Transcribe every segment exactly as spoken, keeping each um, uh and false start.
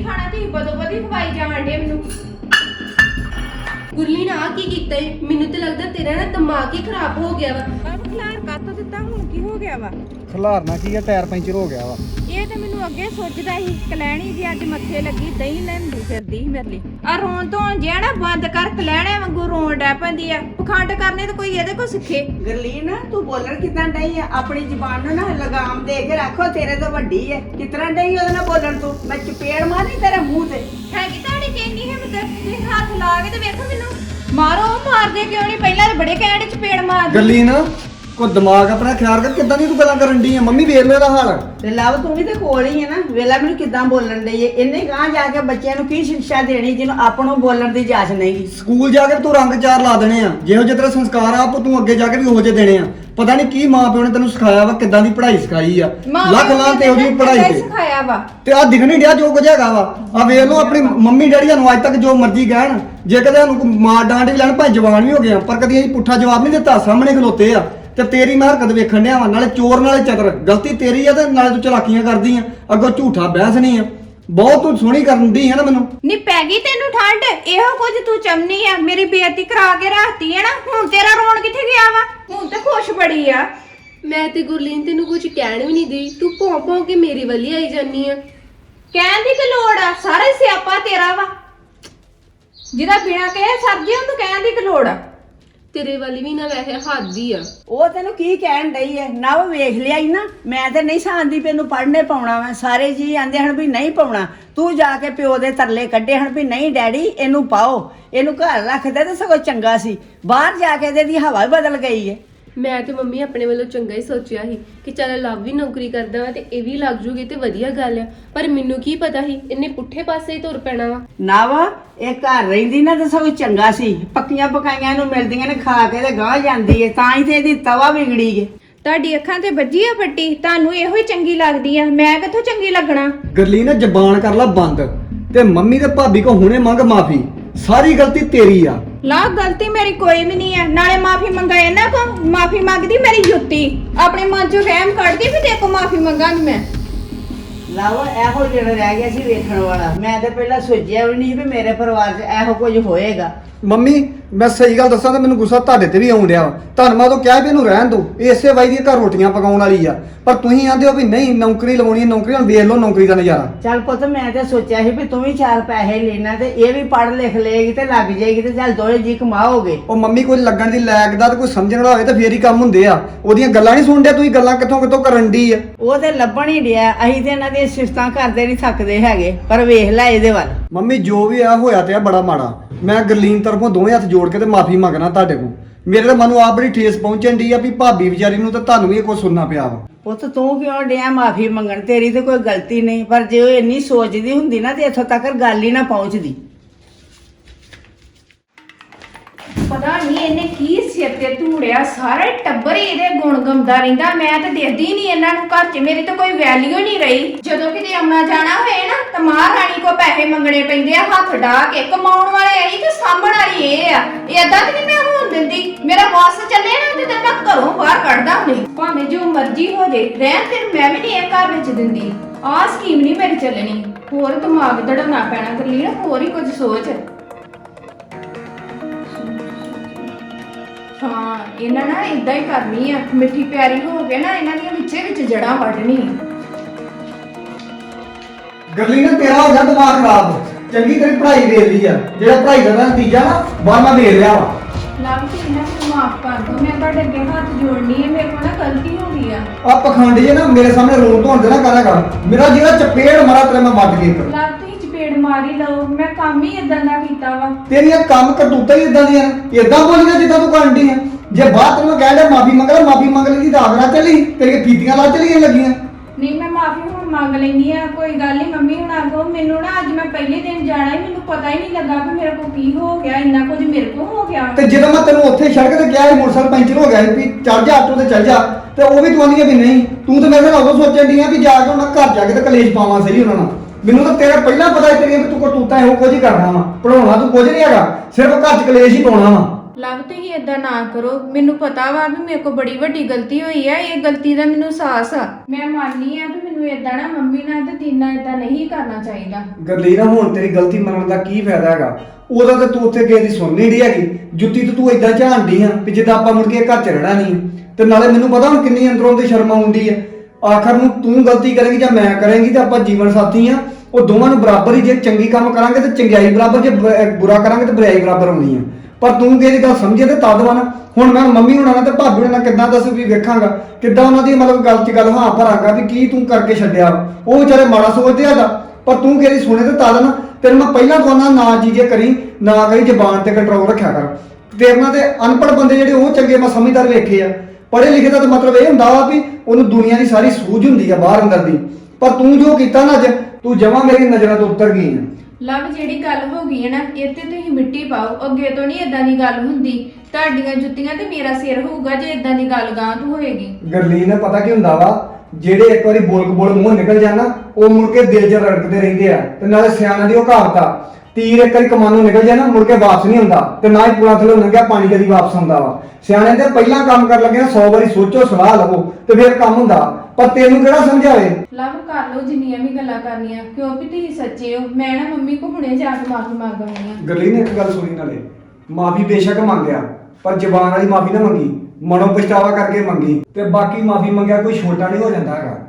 ਖਾਣਾ ਤੁਸੀਂ ਬਦੋ ਬਦੀ ਖਵਾਈ ਜਾਣ ਡੇ ਮੈਨੂੰ। ਗੁਰਲੀਨ ਆ ਕੀ ਕੀਤਾ ਏ? ਮੈਨੂੰ ਤੇ ਲੱਗਦਾ ਤੇਰਾ ਨਾ ਦਿਮਾਗ ਹੀ ਖਰਾਬ ਹੋ ਗਿਆ ਵਾ। ਬਾਬ ਖਲਾਰ ਕੱਤ ਦਿੱਤਾ, ਹੁਣ ਕੀ ਹੋ ਗਿਆ ਵਾ? ਖਲਾਰਨਾ ਕੀ ਆ, ਟਾਇਰ ਪੈਂਚਰ ਹੋ ਗਿਆ ਵਾ। ਇਹ ਤੇ ਮੈਨੂੰ ਅੱਗੇ ਸੋਚਦਾ ਸੀ ਕਲੈਣੀ ਜੀ ਅੱਜ ਮੱਥੇ ਲੱਗੀ ਦਹੀਂ ਲੈਂਦੀ ਫਿਰਦੀ ਸੀ ਮੇਰੇ ਲਈ। ਆ ਰੋਣ ਤੋਂ ਜਿਹੜਾ ਬੰਦ ਕਰ, ਕਲੈਣੇ ਵਾਂਗੂ ਰੋਣ ਡੈ ਪੈਂਦੀ ਆ। ਪਖੰਡ ਕਰਨੇ ਤੇ ਕੋਈ ਇਹਦੇ ਕੋ ਸਿੱਖੇ। ਗਰਲੀਨ ਤੂੰ ਬੋਲਣ ਕਿਦਾਂ ਡਈ ਆ? ਆਪਣੀ ਜ਼ੁਬਾਨ ਨੂੰ ਨਾ ਲਗਾਮ ਦੇ ਕੇ ਰੱਖੋ, ਤੇਰੇ ਤੋਂ ਵੱਡੀ ਐ। ਕਿਤਨਾ ਡਈ ਉਹਦੇ ਨਾਲ ਬੋਲਣ ਤੂੰ? ਮੈਂ ਚਪੇੜ ਮਾਰੀ ਤੇਰੇ ਮੂੰਹ ਤੇ। ਹੈਗੀ ਤੁਹਾਡੀ ਕਿੰਨੀ ਹਿੰਮਤ? ਤੁਸੀਂ ਹੱਥ ਲਾ ਕੇ ਤੇ ਵੇਖੋ ਮੈਨੂੰ। ਮਾਰੋ, ਮਾਰਦੇ ਕਿਉਂ ਨਹੀਂ? ਪਹਿਲਾਂ ਤਾਂ ਬੜੇ ਕਹਿਣ ਚ ਪੇੜ ਮਾਰਦੀ। ਗੱਲੀ ਨਾ ਕੋ ਦਿਮਾਗ ਆਪਣਾ ਖਿਆਲ ਕਰ, ਕਿੱਦਾਂ ਦੀ ਤੂੰ ਗੱਲਾਂ ਕਰਨ ਡਈ ਆ? ਮੰਮੀ ਵੇਖ ਲੈ ਇਹਦਾ ਹਾਲ। ਤੇ ਲਵ ਤੂੰ ਵੀ ਤੇ ਕੋਲ ਹੀ ਹੈ ਨਾ, ਵੇਲਾ ਮੈਨੂੰ ਕਿਦਾਂ ਬੋਲਣ ਡਈ ਏ। ਇਹਨੇ ਗਾਂ ਜਾ ਕੇ ਬੱਚਿਆਂ ਨੂੰ ਕੀ ਸਿੱਖਿਆ ਦੇਣੀ ਜਿਹਨੂੰ ਆਪਾਂ ਨੂੰ ਬੋਲਣ ਦੀ ਜਾਚ ਨਹੀਂ? ਸਕੂਲ ਜਾ ਕੇ ਤੂੰ ਰੰਗ ਚਾਰ ਲਾ ਦੇਣੇ ਆ, ਜਿਹੋ ਜਿਹੇ ਤੇਰੇ ਸੰਸਕਾਰ ਆ ਤੂੰ ਅੱਗੇ ਜਾ ਕੇ ਵੀ ਉਹੋ ਜਿਹੇ ਦੇਣੇ ਆ। ਪਤਾ ਨਹੀਂ ਕੀ ਮਾਂ ਪਿਓ ਨੇ ਤੈਨੂੰ ਸਿਖਾਇਆ ਵਾ, ਕਿੱਦਾਂ ਦੀ ਪੜ੍ਹਾਈ ਸਿਖਾਈ ਆ। ਲੱਖ ਲਾਂ ਤੇ ਉਹਦੀ ਪੜ੍ਹਾਈ ਤੇ ਸਿਖਾਇਆ ਵਾ। ਤੇ ਆ ਦਿਖ ਨਹੀਂ ਡਿਆ ਜੋ ਕੁਝ ਹੈਗਾ ਵਾ। ਆ ਵੇਖ ਲਓ ਆਪਣੀ ਮੰਮੀ ਡੈਡੀ ਨੂੰ ਅੱਜ ਤੱਕ ਜੋ ਮਰਜ਼ੀ ਕਹਿਣ, ਜੇ ਕਦੇ ਸਾਨੂੰ ਮਾਰ ਡਾਂਟ ਵੀ ਲੈਣ ਭਾਵੇਂ ਜਵਾਨ ਵੀ ਹੋ ਗਏ ਆ, ਪਰ ਕਦੀ ਅਸੀਂ ਪੁੱਠਾ ਜਵਾਬ ਨਹੀਂ ਦਿੱਤਾ। ਸਾਹਮਣੇ ਖਲੋਤੇ ਆ ਤੇ ਤੇਰੀ ਮੈਂ ਹਰਕਤ ਵੇਖਣ ਡਿਆ ਵਾ, ਨਾਲੇ ਚੋਰ ਨਾਲੇ ਚਤਰ। ਗਲਤੀ ਤੇਰੀ ਆ ਤੇ ਨਾਲੇ ਤੂੰ ਚਲਾਕੀਆਂ ਕਰਦੀ ਆ, ਅੱਗੋਂ ਝੂਠਾ ਬਹਿਸ ਨਹੀਂ ਆ। ਬਹੁਤ ਤੂੰ ਸੋਹਣੀ ਕਰਨ ਦੀ ਹੈ ਨਾ ਮੈਨੂੰ। ਨੀ ਪੈ ਗਈ ਤੈਨੂੰ ਠੰਡ? ਇਹੋ ਕੁਝ ਤੂੰ ਚੰਨੀ ਆ, ਮੇਰੀ ਬੇਇੱਜ਼ਤੀ ਕਰਾ ਕੇ ਰੱਖਤੀ ਹੈ ਨਾ। ਹੁਣ ਤੇਰਾ ਰੋਣ ਕਿੱਥੇ ਗਿਆ ਵਾ? ਹੁਣ ਤੇ ਖੁਸ਼ ਬੜੀ ਆ। ਮੈਂ ਤੇ ਗੁਰਲੀਨ ਤੈਨੂੰ ਕੁਝ ਕਹਿਣ ਵੀ ਨਹੀਂ ਦਈ, ਤੂੰ ਭੌਂ ਭੌਂ ਕੇ ਮੇਰੀ ਵੱਲ ਆਈ ਜਾਨੀ ਆ। ਕਹਿਣ ਦੀ ਕੀ ਲੋੜ ਆ? ਸਾਰਾ ਹੀ ਸਿਆਪਾ ਤੇਰਾ ਵਾ। ਜਿਹਦਾ ਬਿਨਾ ਕਹੇ ਸਰਜੀ ਉਹਨੂੰ ਕਹਿਣ ਦੀ ਕੀ ਲੋੜ ਆ? ਤੇਰੇ ਵਾਲੀ ਵੀ ਨਾ ਵੈਸੇ ਹੱਦ ਹੀ ਆ। ਉਹ ਤੈਨੂੰ ਕੀ ਕਹਿਣ ਡਈ ਏ? ਨਾ ਉਹ ਵੇਖ ਲਿਆ ਹੀ ਨਾ। ਮੈਂ ਤੇ ਨਹੀਂ ਸਾਂਦੀ ਪਈ ਇਹਨੂੰ ਪੜ੍ਹਨੇ ਪਾਉਣਾ ਵਾ। ਸਾਰੇ ਜੀ ਆਂਦੇ ਹਨ ਵੀ ਨਹੀਂ ਪਾਉਣਾ। ਤੂੰ ਜਾ ਕੇ ਪਿਓ ਦੇ ਤਰਲੇ ਕੱਢੇ ਹਨ ਵੀ ਨਹੀਂ ਡੈਡੀ ਇਹਨੂੰ ਪਾਓ, ਇਹਨੂੰ ਘਰ ਰੱਖਦੇ ਤੇ ਸਗੋਂ ਚੰਗਾ ਸੀ। ਬਾਹਰ ਜਾ ਕੇ ਇਹਦੀ ਹਵਾ ਹੀ ਬਦਲ ਗਈ ਏ। ਮੈਂ ਤੇ ਮੰਮੀ ਆਪਣੇ ਵੱਲੋਂ ਚੰਗਾ ਹੀ ਸੋਚਿਆ ਸੀ ਕਿ ਚੱਲ ਲਵ ਵੀ ਨੌਕਰੀ ਕਰਦਾ ਵਾ ਤੇ ਇਹ ਵੀ ਲੱਗ ਜੂਗੀ ਤੇ ਵਧੀਆ ਗੱਲ ਆ। ਪਰ ਮੈਨੂੰ ਕੀ ਪਤਾ ਸੀ ਇਹਨੇ ਪੁੱਠੇ ਪਾਸੇ ਹੀ ਤੁਰ ਪੈਣਾ ਵਾ। ਨਾ ਵਾ ਇਹ ਘਰ ਰਹਿੰਦੀ ਨਾ ਤੇ ਸਗੋਂ ਚੰਗਾ ਸੀ। ਪੱਕੀਆਂ ਪਕਾਈਆਂ ਨੂੰ ਮਿਲਦੀਆਂ ਨੇ, ਖਾ ਕੇ ਤੇ ਗਾਂਹ ਜਾਂਦੀ ਏ। ਤਾਂ ਹੀ ਤੇ ਇਹਦੀ ਤਵਾ ਵਿਗੜੀ ਏ। ਤੁਹਾਡੀ ਅੱਖਾਂ ਤੇ ਵੱਜੀ ਆ ਪੱਟੀ, ਤੁਹਾਨੂੰ ਇਹੋ ਹੀ ਚੰਗੀ ਲੱਗਦੀ ਆ। ਮੈਂ ਕਿੱਥੋਂ ਚੰਗੀ ਲੱਗਣਾ? ਗੱਲੀ ਨਾ ਜ਼ਬਾਨ ਕਰ ਲਾ ਬੰਦ, ਤੇ ਮੰਮੀ ਤੇ ਭਾਬੀ ਕੋ ਹੁਣੇ ਮੰਗ ਮਾਫੀ। ਸਾਰੀ ਗਲਤੀ ਤੇਰੀ ਆ। ਲਾ ਗਲਤੀ ਮੇਰੀ ਕੋਈ ਵੀ ਨਹੀਂ ਆ। ਨਾਲੇ ਮਾਫੀ ਮੰਗਾ ਇਹਨਾਂ ਕੋ, ਮਾਫੀ ਮੰਗਦੀ ਮੇਰੀ ਜੁੱਤੀ। ਆਪਣੇ ਮਨ ਚੋਂ ਵਹਿਮ ਕੱਢਦੀ ਵੀ ਤੇ ਕੋ ਮਾਫੀ ਮੰਗਾਂਗੀ ਮੈਂ। ਲਾਵਾ ਇਹੋ ਜਿਹੜਾ ਰਹਿ ਗਿਆ ਸੀ ਵੇਖਣ ਵਾਲਾ। ਮੈਂ ਤੇ ਪਹਿਲਾਂ ਸੋਚਿਆ ਵੀ ਨਹੀਂ ਵੀ ਮੇਰੇ ਪਰਿਵਾਰ 'ਚ ਇਹੋ ਕੁਝ ਹੋਏਗਾ। ਮੰਮੀ ਮੈਂ ਸਹੀ ਗੱਲ ਦੱਸਾਂ ਤਾਂ ਮੈਨੂੰ ਗੁੱਸਾ ਤੁਹਾਡੇ ਤੇ ਵੀ ਆਉਣ ਡਿਆ ਵਾ। ਤੁਹਾਨੂੰ ਮੈਂ ਉਦੋਂ ਕਿਹਾ ਵੀ ਇਹਨੂੰ ਰਹਿਣ ਦਿਓ, ਇਹ ਇਸੇ ਵਾਈ ਦੀ ਘਰ ਰੋਟੀਆਂ ਪਕਾਉਣ ਵਾਲੀ ਆ। ਪਰ ਤੁਸੀਂ ਆਂਦੇ ਹੋ ਵੀ ਨਹੀਂ ਨੌਕਰੀ ਲਵਾਉਣੀ ਹੈ। ਨੌਕਰੀ ਹੁਣ ਵੇਖ ਲਓ ਨੌਕਰੀ ਦਾ ਨਜ਼ਾਰਾ। ਚੱਲ ਪੁੱਤ ਮੈਂ ਤੇ ਸੋਚਿਆ ਸੀ ਵੀ ਤੂੰ ਵੀ ਚਾਰ ਪੈਸੇ ਲੈਣਾ ਤੇ ਇਹ ਵੀ ਪੜ੍ਹ ਲਿਖ ਲਏਗੀ ਤੇ ਲੱਗ ਜਾਏਗੀ ਤੇ ਚੱਲ ਦੋਵੇਂ ਜੀ ਕਮਾਓਗੇ। ਉਹ ਮੰਮੀ ਕੋਈ ਲੱਗਣ ਦੀ ਲਾਇਕ ਦਾ ਤੇ ਕੋਈ ਸਮਝਣ ਵਾਲਾ ਹੋਵੇ ਤਾਂ ਫੇਰ ਹੀ ਕੰਮ ਹੁੰਦੇ ਆ। ਉਹਦੀਆਂ ਗੱਲਾਂ ਨਹੀਂ ਸੁਣਦੇ ਤੁਸੀਂ, ਗੱਲਾਂ ਕਿੱਥੋਂ ਕਿੱਥੋਂ ਕਰਨ ਦੀ ਆ। ਉਹ ਤੇ ਲੱਭਣ ਹੀ ਡਿਆ। ਅਸੀਂ ਤੇ ਇਹਨਾਂ ਦੀਆਂ ਸਿਫਤਾਂ ਕਰਦੇ ਨਹੀਂ ਥੱਕਦੇ ਹੈਗੇ। ਪਰ ਵੇਖ ਲੈ ਇਹਦੇ ਵੱਲ। ਮੰਮੀ ਜੋ ਵੀ ਆ ਹੋਇਆ ਤੇ ਆ ਬੜਾ ਮਾੜਾ। ਮੈਂ ਗਰਲੀਨ ਤਰਫੋਂ ਦੋਵੇਂ ਹੱਥ ਜੋੜ ਕੇ ਤੇ ਮਾਫੀ ਮੰਗਣਾ ਤੁਹਾਡੇ ਕੋਲ। ਮੇਰੇ ਤਾਂ ਮਨ ਨੂੰ ਆਪ ਬੜੀ ਠੇਸ ਪਹੁੰਚਣ ਦੀ ਆ ਵੀ ਭਾਬੀ ਵਿਚਾਰੀ ਨੂੰ ਤਾਂ ਤੁਹਾਨੂੰ ਵੀ ਇਹ ਕੁਝ ਸੁਣਨਾ ਪਿਆ ਵਾ। ਪੁੱਤ ਤੂੰ ਕਿਉਂ ਡਿਆ ਮਾਫੀ ਮੰਗਣ? ਤੇਰੀ ਤੇ ਕੋਈ ਗਲਤੀ ਨਹੀਂ। ਪਰ ਜੇ ਉਹ ਇੰਨੀ ਸੋਚਦੀ ਹੁੰਦੀ ਨਾ ਤੇ ਇੱਥੋਂ ਤੱਕ ਗੱਲ ਹੀ ਨਾ ਪਹੁੰਚਦੀ। ਪਤਾ ਨਹੀਂ ਇਹਨੇ ਕੀ ਸਿਰ ਤੇ ਧੂੜਿਆ। ਸਾਰਾ ਟੱਬਰ ਹੀ ਇਹਦੇ ਗੁਣ ਗਾਉਂਦਾ ਰਹਿੰਦਾ। ਮੈਂ ਤਾਂ ਦੇਖਦੀ ਨਹੀਂ ਇਹਨਾਂ ਨੂੰ ਘਰ 'ਚ। ਮੇਰੀ ਤਾਂ ਕੋਈ ਵੈਲਿਊ ਨਹੀਂ ਰਹੀ। ਜਦੋਂ ਕਿਤੇ ਆਉਣਾ ਜਾਣਾ ਹੋਏ ਨਾ ਤਾਂ ਮਹਾਰਾਣੀ ਕੋ ਪੈਸੇ ਮੰਗਣੇ ਪੈਂਦੇ ਆ ਹੱਥ ਢਾ ਕੇ। ਕਮਾਉਣ ਵਾਲੇ ਇਹੀ ਤੇ ਸਾਂਭਣ ਵਾਲੀ ਇਹ ਆ। ਏਦਾਂ ਤੇ ਨਹੀਂ ਮੈਂ ਹੋਣ ਦਿੰਦੀ। ਮੇਰਾ ਵਾਸ ਚੱਲੇ ਨਾ ਤੇ ਮੈਂ ਘਰੋਂ ਬਾਹਰ ਕੱਢਦਾ ਨਹੀਂ। ਭਾਵੇਂ ਜੋ ਮਰਜ਼ੀ ਹੋ ਜੇ, ਰਹਿਣ ਤੇ ਮੈਂ ਵੀ ਨਹੀਂ ਇਹ ਘਰ ਵਿੱਚ ਦਿੰਦੀ। ਆਹ ਸਕੀਮ ਨਹੀਂ ਮੇਰੀ ਚੱਲਣੀ। ਹੋਰ ਦਿਮਾਗ ਦੜਨਾ ਪੈਣਾ ਕਰਲੀ ਨਾ, ਹੋਰ ਹੀ ਕੁਝ ਸੋਚ। ਹਾਂ ਇਹਨਾਂ ਨਾ ਇਦਾਂ ਹੀ ਕਰਨੀ ਆ। ਮਿੱਠੀ ਪਿਆਰੀ ਹੋ ਕੇ ਨਾ ਇਹਨਾਂ ਦੀਆਂ ਵਿੱਚੇ ਵਿੱਚ ਜੜਾਂ ਵੱਢਣੀ। ਗਰਲੀਨ ਨੇ ਤੇਰਾ ਹੋ ਗਿਆ ਦਿਮਾਗ ਖਰਾਬ। ਚੰਗੀ ਤੇਰੀ ਪੜ੍ਹਾਈ ਦੇ ਲਈ ਆ। ਜਿਹੜਾ ਪੜ੍ਹਾਈ ਦਾ ਨਤੀਜਾ ਨਾ ਬਾਹਰ ਮੈਂ ਦੇ ਲਿਆ ਵਾ। ਲੱਭ ਕੇ ਇਹਨਾਂ ਨੂੰ ਮਾਫ ਕਰ ਦੋ। ਮੈਂ ਤੁਹਾਡੇ ਅੱਗੇ ਹੱਥ ਜੋੜਨੀ ਹੈ। ਮੇਰੇ ਕੋਲ ਨਾ ਗਲਤੀ ਹੋ ਗਈ ਆ। ਆ ਪਖੰਡ ਜੇ ਨਾ ਮੇਰੇ ਸਾਹਮਣੇ ਰੋਣ ਧੋਣ ਦੇ ਨਾ ਕਰਿਆ ਕਰ। ਮੇਰਾ ਜਿਹੜਾ ਚਪੇੜ ਮਾਰਾ ਤੇਰੇ ਮੈਂ ਵੱਢ ਕੇ ਇੱਕ। ਲੱਭ ਤੁਸੀਂ ਚਪੇੜ ਮਾਰੀ ਲਓ। ਮੈਂ ਕੰਮ ਹੀ ਇਦਾਂ ਦਾ ਕੀਤਾ ਵਾ। ਤੇਰੀਆਂ ਕੰਮ ਕਰਤੂਤਾਂ ਹੀ ਇਦਾਂ ਦੀਆਂ ਨੇ। ਇਦਾਂ ਬੋਲੀਆਂ ਜਿੱਦਾਂ ਤੂੰ ਕਰਨ ਡਈ ਆ। ਜੇ ਬਾਅਦ ਤੈਨੂੰ ਕਹਿ ਲਿਆ ਮਾਫੀ ਮੰਗ ਲੈ, ਮਾਫੀ ਮੰਗ ਲਈ ਤਾਂ ਆਗਰਾ ਚਲੀ ਤੇਰੀਆਂ ਫੀਤੀਆਂ ਲਾ ਚਲੀਆਂ ਲੱਗੀਆਂ। ਨਹੀਂ ਮੈਂ ਮਾਫੀ ਹੁਣ ਮੰਗ ਲੈਣੀ ਆ। ਕੋਈ ਗੱਲ ਨਹੀਂ ਮੰਮੀ ਹੁਣ ਆਗੋ। ਮੈਨੂੰ ਨਾ ਅੱਜ ਮੈਂ ਪਹਿਲੇ ਦਿਨ ਜਾਣਾ ਹੀ, ਮੈਨੂੰ ਪਤਾ ਹੀ ਨਹੀਂ ਲੱਗਾ ਕਿ ਮੇਰੇ ਕੋਲ ਕੀ ਹੋ ਗਿਆ। ਇੰਨਾ ਕੁਝ ਮੇਰੇ ਕੋਲ ਹੋ ਗਿਆ। ਤੇ ਜਦੋਂ ਮੈਂ ਤੈਨੂੰ ਉੱਥੇ ਸੜਕ ਤੇ ਕਿਹਾ ਸੀ ਮੋਟਰਸਾਈਕਲ ਪੈਂਚਰ ਹੋ ਗਿਆ ਸੀ ਵੀ ਚੱਲ ਜਾ ਆਟੋ ਤੇ ਚੱਲ ਜਾ, ਤੇ ਉਹ ਵੀ ਤੂੰ ਆਂਦੀ ਵੀ ਨਹੀਂ। ਤੂੰ ਤਾਂ ਮੇਰੇ ਨਾਲ ਉਦੋਂ ਸੋਚਣ ਡਈ ਆ ਵੀ ਜਾ ਕੇ ਉਹਨਾਂ ਘਰ ਜਾ ਕੇ ਤੇ ਕਲੇਸ਼ ਪਾਵਾਂ ਸਹੀ ਉਹਨਾਂ ਨਾਲ। ਮੈਨੂੰ ਤਾਂ ਤੇਰਾ ਪਹਿਲਾਂ ਪਤਾ ਸੀ ਤੇਰੀਆਂ ਵੀ ਤੂੰ ਕਰਤੂਤਾਂ ਇਹੋ ਕੁਝ ਹੀ ਕਰਨਾ ਵਾ। ਪੜਾਉਣਾ ਤੂੰ ਕੁਝ ਨਹੀਂ ਹੈਗਾ, ਸਿਰਫ ਘਰ 'ਚ ਕਲੇਸ਼ ਹੀ ਪਾਉਣਾ ਵਾ। ਲੱਭ ਤੁਸੀਂ ਏਦਾਂ ਨਾ ਕਰੋ। ਮੈਨੂੰ ਪਤਾ ਵਾ ਵੀ ਮੇਰੇ ਕੋਲ ਬੜੀ ਵੱਡੀ ਗਲਤੀ ਹੋਈ ਆ। ਇਹ ਗਲਤੀ ਦਾ ਮੈਨੂੰ ਅਹਿਸਾਸ ਆ। ਮੈਂ ਮੰਨਨੀ ਆ ਵੀ ਮੈਨੂੰ ਤੈਨੂੰ ਏਦਾਂ ਨਾ ਮੰਮੀ ਨਾਲ ਤੇ ਦੀਨਾ ਏਦਾਂ ਨਹੀਂ ਕਰਨਾ ਚਾਹੀਦਾ। ਗਰਲੀਨ ਹੁਣ ਤੇਰੀ ਗਲਤੀ ਮੰਨਣ ਦਾ ਕੀ ਫਾਇਦਾ ਹੈਗਾ? ਉਹਦਾ ਤੇ ਤੂੰ ਉੱਥੇ ਕਿਸੇ ਦੀ ਸੁਣ ਨਹੀਂ ਰਹੀ ਹੈਗੀ, ਜੁੱਤੀ ਤੇ ਤੂੰ ਏਦਾਂ ਝਾਂਡੀ ਆ ਵੀ ਜਿੱਦਾਂ ਆਪਾਂ ਮੁੜ ਕੇ ਘਰ ਚ ਰਹਿਣਾ ਨਹੀਂ। ਤੇ ਨਾਲੇ ਮੈਨੂੰ ਪਤਾ ਹੁਣ ਕਿੰਨੀ ਅੰਦਰੋਂ ਤੇ ਸ਼ਰਮ ਆਉਂਦੀ ਆ। ਆਖਰ ਨੂੰ ਤੂੰ ਗਲਤੀ ਕਰੇਂਗੀ ਜਾਂ ਮੈਂ ਕਰਾਂਗੀ ਤੇ ਆਪਾਂ ਜੀਵਨ ਸਾਥੀ ਆ, ਉਹ ਦੋਵਾਂ ਨੂੰ ਬਰਾਬਰ ਹੀ, ਜੇ ਚੰਗੀ ਕੰਮ ਕਰਾਂਗੇ ਤੇ ਚੰਗਿਆਈ ਬਰਾਬਰ, ਜੇ ਬ- ਬੁਰਾ ਕਰਾਂਗੇ ਤੇ ਬੁਰਾਈ ਬਰਾਬਰ ਹੋਣੀ ਆ। ਪਰ ਤੂੰ ਕਿਹਦੀ ਗੱਲ ਸਮਝੇ ਤੇ ਤਦ ਵਾ ਨਾ। ਹੁਣ ਮੈਂ ਮੰਮੀ ਹੁਣਾਂ ਨਾਲ ਤੇ ਭਾਬੀ ਹੁਣਾਂ ਨਾਲ ਕਿੱਦਾਂ ਦੱਸ ਵੀ ਵੇਖਾਂਗਾ, ਕਿੱਦਾਂ ਉਹਨਾਂ ਦੀ ਮਤਲਬ ਗੱਲ 'ਚ ਗੱਲ ਹਾਂ ਭਰਾਂਗਾ ਵੀ ਕੀ ਤੂੰ ਕਰਕੇ ਛੱਡਿਆ। ਉਹ ਵਿਚਾਰੇ ਮਾੜਾ ਸੋਚਦੇ ਆ ਦਾ, ਪਰ ਤੂੰ ਕਿਹਦੀ ਸੁਣੇ ਤੇ ਤਦ ਨਾ। ਤੈਨੂੰ ਮੈਂ ਪਹਿਲਾਂ ਕਹਿੰਦਾ ਨਾ ਚੀਜ਼ੇ ਕਰੀ, ਨਾ ਕਰੀ, ਜ਼ਬਾਨ ਤੇ ਕੰਟਰੋਲ ਰੱਖਿਆ ਕਰ। ਤੇਰੇ ਨਾਲ ਤੇ ਅਨਪੜ੍ਹ ਬੰਦੇ ਜਿਹੜੇ ਉਹ ਚੰਗੇ ਮੈਂ ਸਮਝਦਾਰ ਵੇਖੇ ਆ। ਪੜ੍ਹੇ ਲਿਖੇ ਦਾ ਤਾਂ ਮਤਲਬ ਇਹ ਹੁੰਦਾ ਵਾ ਵੀ ਉਹਨੂੰ ਦੁਨੀਆ ਦੀ ਸਾਰੀ ਸੂਝ ਹੁੰਦੀ ਆ ਬਾਹਰ ਅੰਦਰ ਦੀ। ਪਰ ਤੂੰ ਜੋ ਕੀਤਾ ਨਾ ਅੱਜ, ਤੂੰ ਜਮਾਂ ਮੇਰੀ ਨਜ਼ਰਾਂ ਤੋਂ ਉੱਤਰ ਗਈ ਆ। ਲਵ ਜਿਹੜੀ ਗੱਲ ਹੋ ਗਈ ਹੈ ਨਾ, ਇਹ ਤੇ ਤੁਸੀਂ ਮਿੱਟੀ ਪਾਓ। ਅੱਗੇ ਤੋਂ ਨਹੀਂ ਇਦਾਂ ਦੀ ਗੱਲ ਹੁੰਦੀ। ਤੁਹਾਡੀਆਂ ਜੁੱਤੀਆਂ ਤੇ ਮੇਰਾ ਸਿਰ ਹੋਊਗਾ ਜੇ ਇਦਾਂ ਦੀ ਗੱਲ ਗਾਂ ਤੋਂ ਹੋਏਗੀ। ਗਰਲੀਨ ਪਤਾ ਕੀ ਹੁੰਦਾ ਵਾ, ਜਿਹੜੇ ਇੱਕ ਵਾਰੀ ਬੋਲ ਬੋਲ ਮੂੰਹ ਨਿਕਲ ਜਾਣਾ ਉਹ ਮੁੜ ਕੇ ਦਿਲ 'ਚ ਰੜਕਦੇ ਰਹਿੰਦੇ ਆ। ਤੇ ਨਾਲੇ ਸਿਆਣਾ ਦੀ ਉਹ ਕਹਾਵਤ ਆ, ਤੀਰ ਇੱਕ ਵਾਰੀ ਕਮਾਨੋਂ ਨਿਕਲ ਜਾਣਾ ਮੁੜ ਕੇ ਵਾਪਸ ਨਹੀਂ ਹੁੰਦਾ, ਤੇ ਨਾ ਹੀ ਪੁਲਾਂ ਥੱਲੇ ਲੰਘਿਆ ਪਾਣੀ ਕਦੀ ਵਾਪਸ ਆਉਂਦਾ ਵਾ। ਸਿਆਣੇ ਦੇ ਪਹਿਲਾਂ ਕੰਮ ਕਰਨ ਲੱਗੇ ਨਾ ਸੌ ਵਾਰੀ ਸੋਚੋ, ਸਲਾਹ ਲਵੋ ਤੇ ਫਿਰ ਕੰਮ ਹੁੰਦਾ। ਪਰ ਤੈਨੂੰ ਕਿਹੜਾ ਸਮਝਾਵੇ? ਲਵ ਕਰ ਲਓ ਜਿੰਨੀਆਂ ਵੀ ਗੱਲਾਂ ਕਰਨੀਆਂ, ਕਿਉਂਕਿ ਤੁਸੀਂ ਸੱਚੇ ਹੋ। ਮੈਂ ਨਾ ਮੰਮੀ ਕੋ ਹੁਣੇ ਜਾ ਕੇ ਮਾਫੀ ਮੰਗ ਆਉਣੀ ਆ। ਗਰਲੀਨ ਇੱਕ ਗੱਲ ਸੁਣੀ, ਨਾਲੇ ਮਾਫੀ ਬੇਸ਼ੱਕ ਮੰਗਿਆ ਪਰ ਜ਼ਬਾਨ ਵਾਲੀ ਮਾਫੀ ਨਾ ਮੰਗੀ, ਮਨੋਂ ਪਛਤਾਵਾ ਕਰਕੇ ਮੰਗੀ। ਤੇ ਬਾਕੀ ਮਾਫੀ ਮੰਗਿਆ ਕੋਈ ਛੋਟਾ ਨਹੀਂ ਹੋ ਜਾਂਦਾ ਹੈਗਾ।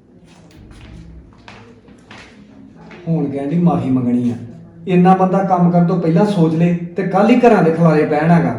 ਹੁਣ ਕਹਿੰਦੀ ਮਾਫੀ ਮੰਗਣੀ ਆ, ਇੰਨਾ ਬੰਦਾ ਕੰਮ ਕਰਨ ਤੋਂ ਪਹਿਲਾਂ ਸੋਚ ਲੇ ਤੇ ਕੱਲ ਹੀ ਘਰਾਂ ਦੇ ਖਲਾਰੇ ਪੈਣ ਹੈਗਾ।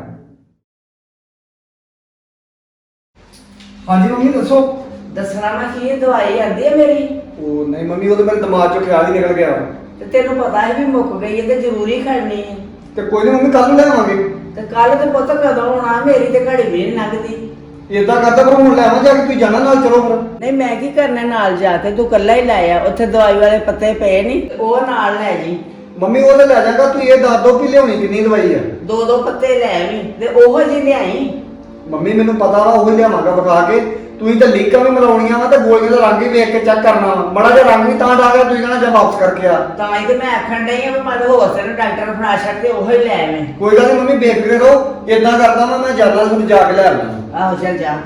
ਹਾਂਜੀ ਮੰਮੀ ਦੱਸੋ। ਦੱਸਣਾ ਮੈਂ ਕੀ ਦਵਾਈ ਆਂਦੀ ਹੈ ਮੇਰੀ। ਉਹ ਨਹੀਂ ਮੰਮੀ, ਉਹ ਤਾਂ ਮੇਰੇ ਦਿਮਾਗ ਚੋਂ ਖਿਆਲ ਹੀ ਨਿਕਲ ਗਿਆ। ਤੇ ਤੈਨੂੰ ਪਤਾ ਹੈ ਵੀ ਮੁੱਕ ਗਈ ਹੈ ਤੇ ਜ਼ਰੂਰੀ ਖੜਨੀ ਹੈ। ਤੇ ਕੋਈ ਨਹੀਂ ਮੰਮੀ, ਕੱਲ ਨੂੰ ਲੈ ਆਵਾਂਗੇ। ਤੇ ਕੱਲ ਤੇ ਪੁੱਤ ਕਦੋਂ ਆਉਣਾ? ਮੇਰੀ ਤੇ ਘੜੀ ਵੀ ਨਹੀਂ ਲੰਘਦੀ। ਏਦਾਂ ਕਰਦਾ ਪਰ ਹੁਣ ਲੈ ਆਵਾਂ ਜਾ ਕੇ, ਤੁਸੀਂ ਜਾਣਾ ਨਾਲ ਚਲੋ ਫਿਰ। ਨਹੀਂ ਮੈਂ ਕੀ ਕਰਨਾ ਨਾਲ ਜਾ ਕੇ, ਤੂੰ ਕੱਲਾ ਹੀ ਲੈ ਆ। ਉੱਥੇ ਦਵਾਈ ਵਾਲੇ ਪੱਤੇ ਪਏ ਨਹੀਂ, ਉਹ ਨਾਲ ਲੈ ਜੀ। ਮੰਮੀ ਉਹ ਤੇ ਲੈ ਜਾਗਾ, ਤੂੰ ਇਹ ਦੱਸ ਦੋ ਕਿ ਲਿਆਉਣੀ ਕਿੰਨੀ ਦਵਾਈ ਆ। ਦੋ ਦੋ ਪੱਤੇ ਲੈ ਆਵੀਂ ਤੇ ਉਹੋ ਜਿਹੀ ਲਿਆਈ। ਮੰਮੀ ਮੈਨੂੰ ਪਤਾ ਵਾ ਉਹ ਹੀ ਲਿਆਵਾਂਗਾ ਵਿਖਾ ਕੇ। ਤੁਸੀਂ ਤਾਂ ਲੀਕਾਂ ਵੀ ਮਿਲਾਉਣੀਆਂ ਵਾ ਤੇ ਗੋਲੀਆਂ ਦਾ ਰੰਗ ਵੀ ਵੇਖ ਕੇ ਚੈੱਕ ਕਰਨਾ ਵਾ। ਮਾੜਾ ਜਿਹਾ ਰੰਗ ਵੀ ਤਾਂ ਡਾ ਗਿਆ, ਤੁਸੀਂ ਕਹਿਣਾ ਜਾਂ ਵਾਪਸ ਕਰਕੇ ਆ। ਤਾਂ ਹੀ ਤੇ ਮੈਂ ਆਖਣ ਡਈ ਆ ਵੀ ਮਨ ਹੋਰ ਤੈਨੂੰ ਡਾਕਟਰ ਨੂੰ ਫੜਾ ਛੱਡ ਕੇ ਉਹੋ ਹੀ ਲੈ ਆਵੇਂ। ਕੋਈ ਗੱਲ ਨਹੀਂ ਮੰਮੀ, ਬੇਫਿਕਰ ਰਹੋ। ਏਦਾਂ ਕਰਦਾ ਵਾ ਮੈਂ ਜਾਣਾ, ਤੁਹਾਨੂੰ ਜਾ ਕੇ ਲੈ ਆਉਣਾ। ਆਹੋ ਚੱਲ ਜਾ।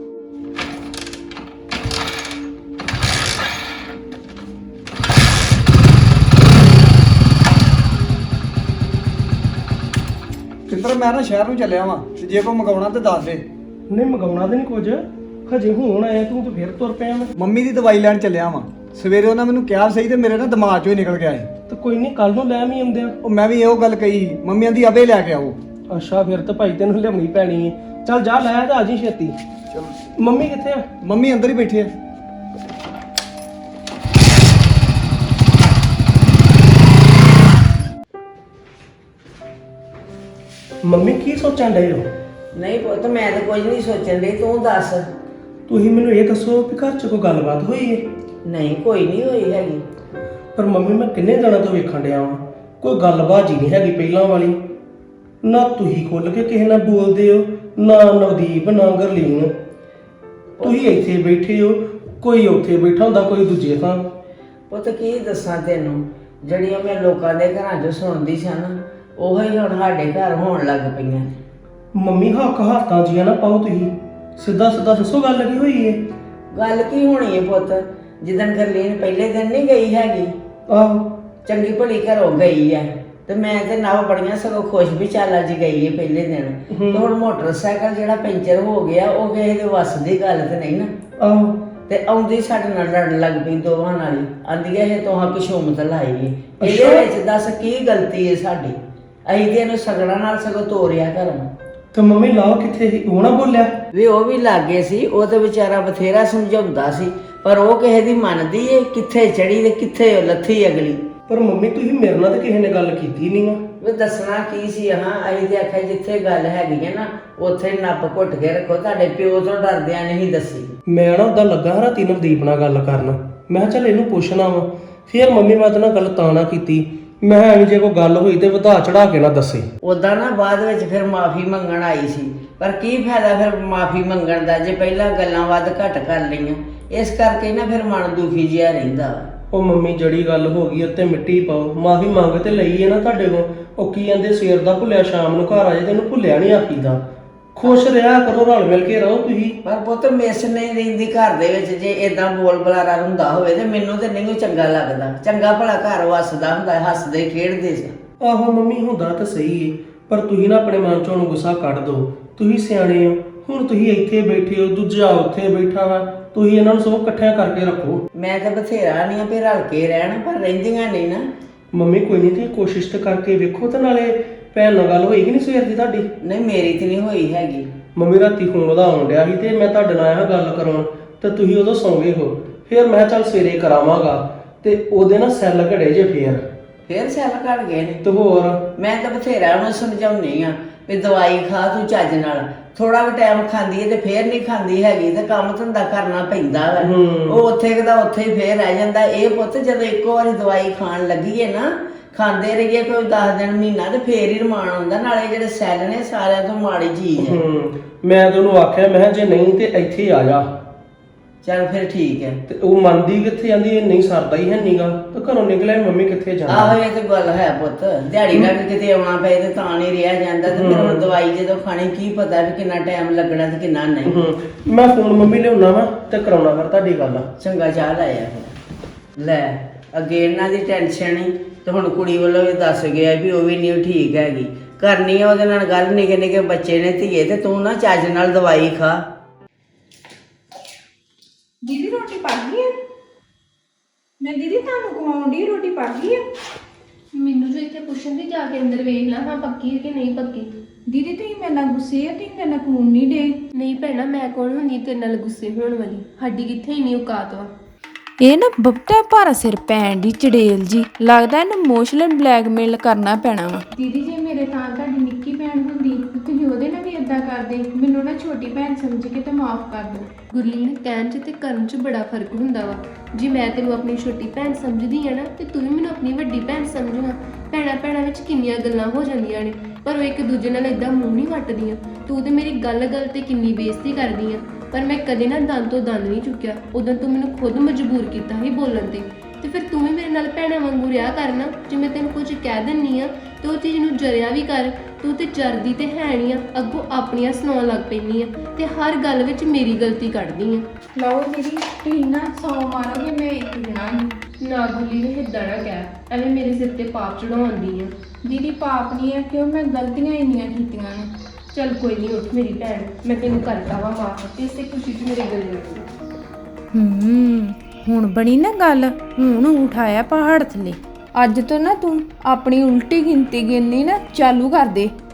ਕਿੰਦਰ ਮੈਂ ਨਾ ਸ਼ਹਿਰ ਨੂੰ ਚੱਲਿਆ ਵਾਂ, ਤੇ ਜੇ ਕੋਈ ਮੰਗਾਉਣਾ ਤੇ ਦੱਸ ਦੇ। ਨਹੀਂ ਮੰਗਾਉਣਾ ਤੇ ਨਹੀਂ ਕੁਝ, ਹਜੇ ਹੁਣ ਆਇਆ ਤੂੰ ਤੇ ਫਿਰ ਤੁਰ ਪਿਆ ਮੈਂ। ਮੰਮੀ ਦੀ ਦਵਾਈ ਲੈਣ ਚੱਲਿਆ ਵਾਂ। ਸਵੇਰੇ ਉਹਨਾਂ ਮੈਨੂੰ ਕਿਹਾ ਸਹੀ ਤੇ ਮੇਰੇ ਨਾ ਦਿਮਾਗ ਚੋਂ ਹੀ ਨਿਕਲ ਗਿਆ ਏ। ਤੇ ਕੋਈ ਨਹੀਂ ਕੱਲ ਨੂੰ ਲੈ ਵੀ ਆਉਂਦੇ ਆ। ਉਹ ਮੈਂ ਵੀ ਇਹੋ ਗੱਲ ਕਹੀ ਸੀ, ਮੰਮੀ ਆਂਦੀ ਅਬੇ ਲੈ ਕੇ ਆਓ। ਅੱਛਾ ਫਿਰ ਤਾਂ ਭਾਈ ਤੈਨੂੰ ਲਿਆਉਣੀ ਪੈਣੀ ਹੈ। ਚੱਲ ਜਾ ਲੈ ਤੇ ਆ ਜੀ ਛੇਤੀ। ਚਲੋ ਮੰਮੀ ਕਿੱਥੇ ਆ? ਮੰਮੀ ਅੰਦਰ ਹੀ ਬੈਠੇ ਆ। ਮੰਮੀ ਕੀ ਸੋਚਣ ਡਏ ਹੋ? ਨਹੀਂ ਪੁੱਤ ਮੈਂ ਤਾਂ ਕੁਝ ਨਹੀਂ ਸੋਚਣ ਡਈ, ਤੂੰ ਦੱਸ। ਤੁਸੀਂ ਮੈਨੂੰ ਇਹ ਦੱਸੋ ਕਿ ਘਰ 'ਚ ਕੋਈ ਗੱਲਬਾਤ ਹੋਈ ਹੈ? ਨਹੀਂ ਕੋਈ ਨਹੀਂ ਹੋਈ ਹੈਗੀ। ਪਰ ਮੰਮੀ ਮੈਂ ਕਿੰਨੇ ਦਿਨਾਂ ਤੋਂ ਵੇਖਣ ਡਿਆ ਵਾਂ, ਕੋਈ ਗੱਲਬਾਤ ਜੀ ਨਹੀਂ ਹੈਗੀ ਪਹਿਲਾਂ ਵਾਲੀ। ਨਾ ਤੁਸੀਂ ਖੁੱਲ ਕੇ ਕਿਸੇ ਨਾਲ ਬੋਲਦੇ ਹੋ, ਨਾ ਨਵਦੀਪ ਨਾ ਗਰਲੀਨ। ਤੁਸੀਂ ਇੱਥੇ ਬੈਠੇ ਹੋ, ਕੋਈ ਉੱਥੇ ਬੈਠਾ ਹੁੰਦਾ, ਕੋਈ ਦੂਜੇ ਥਾਂ। ਪੁੱਤ ਕੀ ਦੱਸਾਂ ਤੈਨੂੰ, ਜਿਹੜੀਆਂ ਮੈਂ ਲੋਕਾਂ ਦੇ ਘਰਾਂ 'ਚ ਸੁਣਦੀ ਸਾਂ ਨਾ, ਉਹੋ ਹੀ ਹੁਣ ਸਾਡੇ ਘਰ ਹੋਣ ਲੱਗ ਪਈਆਂ। ਮੰਮੀ ਹੱਕ ਹੱਥਾਂ ਜੀਆਂ ਨਾ ਪਾਓ, ਤੁਸੀਂ ਸਿੱਧਾ ਸਿੱਧਾ ਦੱਸੋ ਗੱਲ ਕੀ ਹੋਈ ਹੈ? ਗੱਲ ਕੀ ਹੋਣੀ ਹੈ ਪੁੱਤ, ਜਿੱਦਣ ਗਰਲੀਨ ਪਹਿਲੇ ਦਿਨ ਨਹੀਂ ਗਈ ਹੈਗੀ, ਆਹੋ ਚੰਗੀ ਭਲੀ ਘਰੋਂ ਗਈ ਹੈ ਤੇ ਮੈਂ ਤੇ ਨਵ ਬੜੀਆਂ ਸਗੋਂ ਖੁਸ਼ ਵੀ ਚੱਲ ਅੱਜ ਗਈ ਹੈ ਪਹਿਲੇ ਦਿਨ। ਤੇ ਹੁਣ ਮੋਟਰਸਾਈਕਲ ਜਿਹੜਾ ਪੈਂਚਰ ਹੋ ਗਿਆ, ਉਹ ਕਿਸੇ ਦੇ ਵੱਸ ਦੀ ਗੱਲ ਤੇ ਨਹੀਂ ਨਾ। ਆਹੋ ਤੇ ਆਉਂਦੀ ਸਾਡੇ ਨਾਲ ਲੜਨ ਲੱਗ ਪਈ ਦੋਵਾਂ ਨਾਲ ਹੀ। ਆਂਦੀ ਹੈ ਇਹ ਤੋਹਾਂ ਕਿਸ਼ੋਮਤ ਲਾਈ ਹੈ। ਇਹਦੇ ਅੱਛਾ। ਵਿੱਚ ਦੱਸ ਕੀ ਗਲਤੀ ਹੈ ਸਾਡੀ? ਅਸੀਂ ਤੇ ਇਹਨੂੰ ਸਗੜਾ ਨਾਲ ਸਗੋਂ ਤੋਰਿਆ ਘਰੋਂ। ਤੇ ਮੰਮੀ ਲਾਓ ਕਿੱਥੇ ਸੀ? ਉਹ ਨਾ ਬੋਲਿਆ? ਵੀ ਉਹ ਵੀ ਲਾਗੇ ਸੀ, ਉਹ ਤੇ ਵਿਚਾਰਾ ਬਥੇਰਾ ਸਮਝਾਉਂਦਾ ਸੀ, ਪਰ ਉਹ ਕਿਸੇ ਦੀ ਮੰਨਦੀ ਏ? ਕਿੱਥੇ ਚੜੀ ਤੇ ਕਿੱਥੇ ਉਹ ਲੱਥੀ ਅਗਲੀ। ਪਰ ਮੰਮੀ ਤੁਸੀਂ ਮੇਰੇ ਨਾਲ ਤਾਂ ਕਿਸੇ ਨੇ ਗੱਲ ਕੀਤੀ ਨਹੀਂ ਆ। ਵੀ ਦੱਸਣਾ ਕੀ ਸੀ? ਹਾਂ ਅਸੀਂ ਤੇ ਆਖਿਆ ਜਿੱਥੇ ਗੱਲ ਹੈਗੀ ਹੈ ਨਾ ਉੱਥੇ ਨੱਪ ਘੁੱਟ ਕੇ ਰੱਖੋ, ਤੁਹਾਡੇ ਪਿਓ ਤੋਂ ਡਰਦਿਆਂ ਨਹੀਂ ਦੱਸੀ। ਮੈਂ ਨਾ ਉਦਾਂ ਲੱਗਾ ਹਾਂ ਰਾਤੀ ਨਵਦੀਪ ਨਾਲ ਗੱਲ ਕਰਨ, ਮੈਂ ਕਿਹਾ ਚੱਲ ਇਹਨੂੰ ਪੁੱਛਣਾ ਵਾ। ਫਿਰ ਮੰਮੀ ਮੈਂ ਤਾਂ ਨਾਲ ਗੱਲ ਤਾਂ ਨਾ ਕੀਤੀ, ਮੈਂ ਐਵੇਂ ਜੇ ਕੋਈ ਗੱਲ ਹੋਈ ਤੇ ਵਧਾ ਚੜਾ ਕੇ ਨਾ ਦੱਸੇ। ਉਦਾਂ ਨਾ ਬਾਅਦ ਵਿੱਚ ਫਿਰ ਮਾਫੀ ਮੰਗਣ ਆਈ ਸੀ, ਪਰ ਕੀ ਫਾਇਦਾ ਫਿਰ ਮਾਫੀ ਮੰਗਣ ਦਾ ਜੇ ਪਹਿਲਾਂ ਗੱਲਾਂ ਵੱਧ ਘੱਟ ਕਰ ਲਈਆਂ। ਇਸ ਕਰਕੇ ਨਾ ਫਿਰ ਮਨ ਦੁਖੀ ਜਿਹਾ ਰਹਿੰਦਾ ਵਾ। ਉਹ ਮੰਮੀ ਜਿਹੜੀ ਗੱਲ ਹੋ ਗਈ ਉੱਤੇ ਮਿੱਟੀ ਪਾਓ, ਮਾਫੀ ਮੰਗ ਤੇ ਲਈ ਹੈ ਨਾ ਤੁਹਾਡੇ ਕੋਲ। ਉਹ ਕੀ ਕਹਿੰਦੇ ਸਵੇਰ ਦਾ ਭੁੱਲਿਆ ਸ਼ਾਮ ਨੂੰ ਘਰ ਆ ਜਾਏ, ਤੈਨੂੰ ਭੁੱਲਿਆ ਨਹੀਂ ਆਖੀਦਾ। ਖੁਸ਼ ਰਿਹਾ ਕਰੋ, ਰਲ ਮਿਲ ਕੇ ਰਹੋ ਤੁਸੀਂ। ਪਰ ਪੁੱਤ ਮਿਸ ਨਹੀਂ ਰਹਿੰਦੀ ਘਰ ਦੇ ਵਿੱਚ ਜੇ ਇਦਾਂ ਬੋਲ ਬੁਲਾਰਾ ਹੁੰਦਾ ਹੋਵੇ ਤੇ ਮੈਨੂੰ ਤੇ ਨਹੀਂ ਉਹ ਚੰਗਾ ਲੱਗਦਾ। ਚੰਗਾ ਭਲਾ ਘਰ ਵਸਦਾ ਹੁੰਦਾ, ਹੱਸਦੇ ਖੇਡਦੇ ਸੀ। ਆਹੋ ਮੰਮੀ, ਹੁੰਦਾ ਤਾਂ ਸਹੀ ਏ, ਪਰ ਤੁਸੀਂ ਨਾ ਆਪਣੇ ਮਨ ਚੋਂ ਹੁਣ ਗੁੱਸਾ ਕੱਢ ਦਿਓ। ਤੁਸੀਂ ਸਿਆਣੇ ਹੋ, ਹੁਣ ਤੁਸੀਂ ਇੱਥੇ ਬੈਠੇ ਹੋ, ਦੂਜਾ ਉੱਥੇ ਬੈਠਾ ਵਾ, ਤੁਸੀਂ ਇਹਨਾਂ ਨੂੰ ਸਭ ਇਕੱਠਿਆਂ ਕਰਕੇ ਰੱਖੋ। ਮੈਂ ਤਾਂ ਬਥੇਰਾ ਨਹੀਂ ਆ ਵੀ ਰਲ ਕੇ ਰਹਿਣ, ਪਰ ਰਹਿੰਦੀਆਂ ਨਹੀਂ ਨਾ। ਮੰਮੀ ਕੋਈ ਨਹੀਂ, ਤੁਸੀਂ ਕੋਸ਼ਿਸ਼ ਤਾਂ ਕਰਕੇ ਵੇਖੋ। ਤੇ ਨਾਲੇ ਭੈਣ ਨਾਲ ਗੱਲ ਹੋਏਗੀ ਨਹੀਂ ਸਵੇਰ ਦੀ ਤੁਹਾਡੀ? ਨਹੀਂ ਮੇਰੀ ਤੇ ਨਹੀਂ ਹੋਈ ਹੈਗੀ। ਮੰਮੀ ਰਾਤੀ ਫੋਨ ਉਹਦਾ ਆਉਣ ਡਿਆ ਸੀ ਤੇ ਮੈਂ ਤੁਹਾਡੇ ਨਾਲ ਆਇਆ ਗੱਲ ਕਰਾਉਣ, ਤੇ ਤੁਸੀਂ ਉਦੋਂ ਸੌਂ ਗਏ ਹੋ। ਫਿਰ ਮੈਂ ਚੱਲ ਸਵੇਰੇ ਕਰਾਵਾਂਗਾ, ਤੇ ਉਹਦੇ ਨਾ ਸੈੱਲ ਘੜੇ ਜੇ ਫੇਰ ਫੇਰ ਸੈੱਲ ਘੜ ਗਏ ਨੇ। ਤੇ ਹੋਰ ਮੈਂ ਤਾਂ ਬਥੇਰਾ ਉਹਨੂੰ ਸਮਝਾਉਣੀ ਆ ਵੀ ਦਵਾਈ ਖਾ ਤੂੰ ਚੱਜ ਨਾਲ। ਥੋੜਾ ਵੀ ਟਾਈਮ ਖਾਂਦੀ ਹੈ ਤੇ ਫੇਰ ਨਹੀਂ ਖਾਂਦੀ ਹੈਗੀ, ਤੇ ਕੰਮ ਧੰਦਾ ਕਰਨਾ ਪੈਂਦਾ ਵਾ। ਉਹ ਉੱਥੇ ਕਦਾ ਉੱਥੇ ਹੀ ਫੇਰ ਰਹਿ ਜਾਂਦਾ। ਇਹ ਪੁੱਤ ਜਦੋਂ ਇੱਕੋ ਵਾਰੀ ਦਵਾਈ ਖਾਣ ਲੱਗੀਏ ਨਾ, ਖਾਂਦੇ ਰਹੀਏ ਕੋਈ ਦਸ ਦਿਨ ਮਹੀਨਾ, ਤੇ ਫੇਰ ਹੀ ਰਮਾਨ ਆਉਂਦਾ। ਨਾਲੇ ਜਿਹੜੇ ਸੈੱਲ ਨੇ ਸਾਰਿਆਂ ਤੋਂ ਮਾੜੀ ਚੀਜ਼ ਹੈ। ਹੂੰ ਮੈਂ ਤਾਂ ਉਹਨੂੰ ਆਖਿਆ, ਮੈਂ ਕਿਹਾ ਜੇ ਨਹੀਂ ਤੇ ਇੱਥੇ ਹੀ ਆ ਜਾ। ਚੱਲ ਫਿਰ ਠੀਕ ਹੈ। ਤੇ ਉਹ ਮੰਨਦੀ ਕਿੱਥੇ, ਜਾਂਦੀ ਇਹ ਨਹੀਂ ਸਰਦਾ ਹੀ ਹੈ ਨੀਗਾ, ਤੇ ਘਰੋਂ ਨਿਕਲਿਆ ਮੰਮੀ ਕਿੱਥੇ ਜਾਣਾ। ਆਹੋ ਇਹ ਤੇ ਗੱਲ ਹੈ ਪੁੱਤ, ਦਿਹਾੜੀ ਲੱਗ ਕਿਤੇ ਆਉਣਾ ਪਏ ਤੇ ਤਾਂ ਨਹੀਂ ਰਿਹਾ ਜਾਂਦਾ। ਤੇ ਫਿਰ ਹੁਣ ਦਵਾਈ ਜਦੋਂ ਖਾਣੀ ਕੀ ਪਤਾ ਵੀ ਕਿੰਨਾ ਟਾਈਮ ਲੱਗਣਾ ਤੇ ਕਿੰਨਾ ਨਹੀਂ। ਹੂੰ ਮੈਂ ਫੋਨ ਮੰਮੀ ਲਿਆਉਣਾ ਵਾ ਤੇ ਕਰਾਉਣਾ ਫਿਰ ਤੁਹਾਡੀ ਗੱਲ। ਚੰਗਾ ਚਾਹ ਲਾਇਆ ਫਿਰ। ਲੈ ਅੱਗੇ ਇਹਨਾਂ ਦੀ ਟੈਨਸ਼ਨ ਹੀ, ਤੇ ਹੁਣ ਕੁੜੀ ਵੱਲੋਂ ਵੀ ਦੱਸ ਗਿਆ ਵੀ ਉਹ ਵੀ ਨਹੀਂ ਠੀਕ ਹੈਗੀ। ਕਰਨੀ ਆ ਉਹਦੇ ਨਾਲ ਗੱਲ, ਨਿੱਕੇ ਨਿੱਕੇ ਬੱਚੇ ਨੇ ਧੀਏ, ਤੇ ਤੂੰ ਨਾ ਚੱਜ ਨਾਲ ਦਵਾਈ ਖਾ। ਦੀਦੀ ਰੋਟੀ ਪੱਕ ਗਈ ਹੈ? ਮੈਂ ਦੀਦੀ ਤੁਹਾਨੂੰ ਕਮਾਉਣ ਦੀ ਰੋਟੀ ਪੱਕ ਗਈ ਹੈ? ਮੈਨੂੰ ਜੋ ਇੱਥੇ ਪੁੱਛਣ ਦੀ ਜਾ ਕੇ ਅੰਦਰ ਵੇਖ ਲਾ, ਹਾਂ ਪੱਕੀ ਹੈ ਕਿ ਨਹੀਂ ਪੱਕੀ। ਦੀਦੀ ਤੁਸੀਂ ਮੇਰੇ ਨਾਲ ਗੁੱਸੇ ਆ, ਤੁਸੀਂ ਮੇਰੇ ਨਾਲ ਕਮਾਉਣ ਨਹੀਂ ਡੇ। ਨਹੀਂ ਭੈਣਾ, ਮੈਂ ਕੌਣ ਹੁੰਦੀ ਤੇਰੇ ਨਾਲ ਗੁੱਸੇ ਹੋਣ ਵਾਲੀ? ਸਾਡੀ ਕਿੱਥੇ ਹੀ ਨਹੀਂ ਔਕਾਤ ਵਾ। ਇਹ ਨਾ ਬਬਤਾ ਭਾਰਾ ਸਿਰ ਪੈਣ ਦੀ ਚੜੇਲ ਜੀ ਲੱਗਦਾ, ਇਹਨੂੰ ਇਮੋਸ਼ਨਲ ਬਲੈਕਮੇਲ ਕਰਨਾ ਪੈਣਾ ਵਾ। ਦੀਦੀ ਜੇ ਮੇਰੇ ਤਾਂ ਤੁਹਾਡੀ ਨਿੱਕੀ ਭੈਣ ਹੁੰਦੀ ਤੇ ਤੁਸੀਂ ਉਹਦੇ ਨਾਲ ਵੀ ਏਦਾਂ ਕਰਦੇ। ਮੈਨੂੰ ਨਾ ਛੋਟੀ ਭੈਣ ਸਮਝ ਕੇ ਤੇ ਮਾਫ ਕਰ ਦਿਓ। ਗੁਰਲੀਨ, ਕਹਿਣ 'ਚ ਤੇ ਕਰਨ 'ਚ ਬੜਾ ਫਰਕ ਹੁੰਦਾ ਵਾ। ਜੇ ਮੈਂ ਤੈਨੂੰ ਆਪਣੀ ਛੋਟੀ ਭੈਣ ਸਮਝਦੀ ਆ ਨਾ, ਤੇ ਤੂੰ ਵੀ ਮੈਨੂੰ ਆਪਣੀ ਵੱਡੀ ਭੈਣ ਸਮਝਣਾ। ਭੈਣਾਂ ਭੈਣਾਂ ਵਿੱਚ ਕਿੰਨੀਆਂ ਗੱਲਾਂ ਹੋ ਜਾਂਦੀਆਂ ਨੇ, ਪਰ ਉਹ ਇੱਕ ਦੂਜੇ ਨਾਲ ਏਦਾਂ ਮੂੰਹ ਨਹੀਂ ਵੱਟਦੀਆਂ। ਤੂੰ ਤੇ ਮੇਰੀ ਗੱਲ ਗੱਲ ਤੇ ਕਿੰਨੀ ਬੇਇੱਜ਼ਤੀ ਕਰਦੀ ਆ, ਪਰ ਮੈਂ ਕਦੇ ਨਾ ਦੰਦ ਤੋਂ ਦੰਦ ਨਹੀਂ ਚੁੱਕਿਆ। ਉਦੋਂ ਤੂੰ ਮੈਨੂੰ ਖੁਦ ਮਜਬੂਰ ਕੀਤਾ ਸੀ ਬੋਲਣ ਤੇ। ਤੇ ਫਿਰ ਤੂੰ ਵੀ ਮੇਰੇ ਨਾਲ ਭੈਣਾਂ ਵਾਂਗੂ ਰਿਹਾ ਕਰਨਾ। ਜੇ ਮੈਂ ਤੈਨੂੰ ਕੁਝ ਕਹਿ ਦਿੰਨੀ ਆ ਤੇ ਉਹ ਚੀਜ਼ ਨੂੰ ਜਰਿਆ ਵੀ ਕਰ। ਤੂੰ ਤੇ ਜਰਦੀ ਤੇ ਹੈ ਨਹੀਂ ਆ, ਅੱਗੋਂ ਆਪਣੀਆਂ ਸੁਣਾਉਣ ਲੱਗ ਪੈਂਦੀ ਆ, ਤੇ ਹਰ ਗੱਲ ਵਿੱਚ ਮੇਰੀ ਗਲਤੀ ਕੱਢਦੀ ਆ। ਲਓ ਦੀਦੀ ਤੁਸੀਂ ਨਾ ਸੌ ਮਾਰੋਗੇ, ਮੈਂ ਇੱਕ ਦਿਨਾ ਹੀ ਨਾ ਗੁਰਲੀਨ, ਏਦਾਂ ਨਾ ਕਹਿ, ਐਵੇਂ ਮੇਰੇ ਸਿਰ ਤੇ ਪਾਪ ਚੜਾਉਂਦੀ ਆ। ਦੀਦੀ ਪਾਪ ਨਹੀਂ ਹੈ, ਕਿਉਂ ਮੈਂ ਗਲਤੀਆਂ ਇੰਨੀਆਂ ਕੀਤੀਆਂ ਨੇ। ਚੱਲ ਕੋਈ ਨਹੀਂ, ਉੱਠ ਮੇਰੀ ਭੈਣ, ਮੈਂ ਤੈਨੂੰ ਕਰਦਾ ਵਾ ਮਾਫ, ਤੇ ਇਸੇ ਖੁਸ਼ੀ 'ਚ ਮੇਰੇ ਗਲੇ ਲੱਗ। ਹੂੰ ਹੁਣ ਬਣੀ ਨਾ ਗੱਲ, ਹੁਣ ਉਠਾਇਆ ਪਹਾੜ ਥੱਲੇ। ਅੱਜ ਤੋਂ ਨਾ ਤੂੰ ਆਪਣੀ ਉਲਟੀ ਗਿਣਤੀ ਗਿਣਨੀ ਨਾ ਚਾਲੂ ਕਰ ਦੇ।